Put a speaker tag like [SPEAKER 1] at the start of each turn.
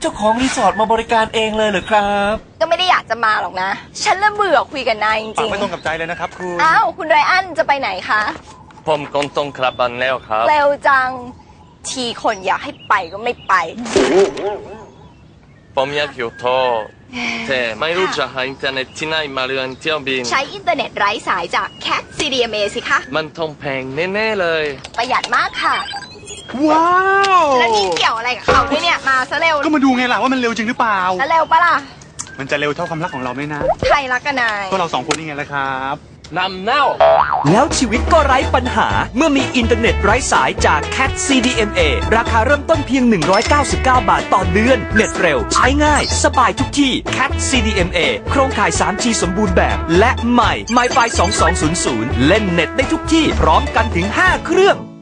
[SPEAKER 1] จ้าของรีสอร์ทมาบริการเองเลยเหรอครับ
[SPEAKER 2] ก็ไม่ได้อยากจะมาหรอกนะฉันเริ่มเบื่อคุยกับนายจริงๆ
[SPEAKER 3] ไม่ตรงกับใจเลยนะครับคุณ
[SPEAKER 2] อ้าวคุณไรอันจะไปไหนคะ
[SPEAKER 4] ผมก็ต้องกลับบ้านแล้วครับ
[SPEAKER 2] เร็วจังทีคนอยากให้ไปก็ไม่ไป
[SPEAKER 4] ผมอยากอยู่โทรแต่ไม่รู้จะหาอินเทอร์เน็ตที่ไหนมาเรียนเที่ยวบิน
[SPEAKER 2] ใช้อินเทอร์เน็ตไร้สายจาก Cat CDMA สิคะ
[SPEAKER 4] มันต้องแพงแน่ๆเลย
[SPEAKER 2] ประหยัดมากค่ะ
[SPEAKER 3] ว้าว
[SPEAKER 2] แล้วนี่เกี่ยวอะไรกับเขาด้วยเนี่ยมาซะเร็ว
[SPEAKER 3] ก็มาดูไงล่ะว่ามันเร็วจริงหรือเปล่า
[SPEAKER 2] แล้วเร็วปะล่ะ
[SPEAKER 3] มันจะเร็วเท่าความรักของเราไหมนะ
[SPEAKER 2] ใครรักกันนาย
[SPEAKER 3] ก็เรา2 คนนี่ไงล่ะครับ
[SPEAKER 4] นำเน่า
[SPEAKER 5] แล้วชีวิตก็ไร้ปัญหาเมื่อมีอินเทอร์เน็ตไร้สายจาก Cat CDMA ราคาเริ่มต้นเพียง199 บาทต่อเดือนเน็ตเร็วใช้ง่ายสบายทุกที่ Cat CDMA โครงข่าย 3G สมบูรณ์แบบและใหม่ MiFi 2200 เล่นเน็ตได้ทุกที่พร้อมกันถึง5 เครื่อง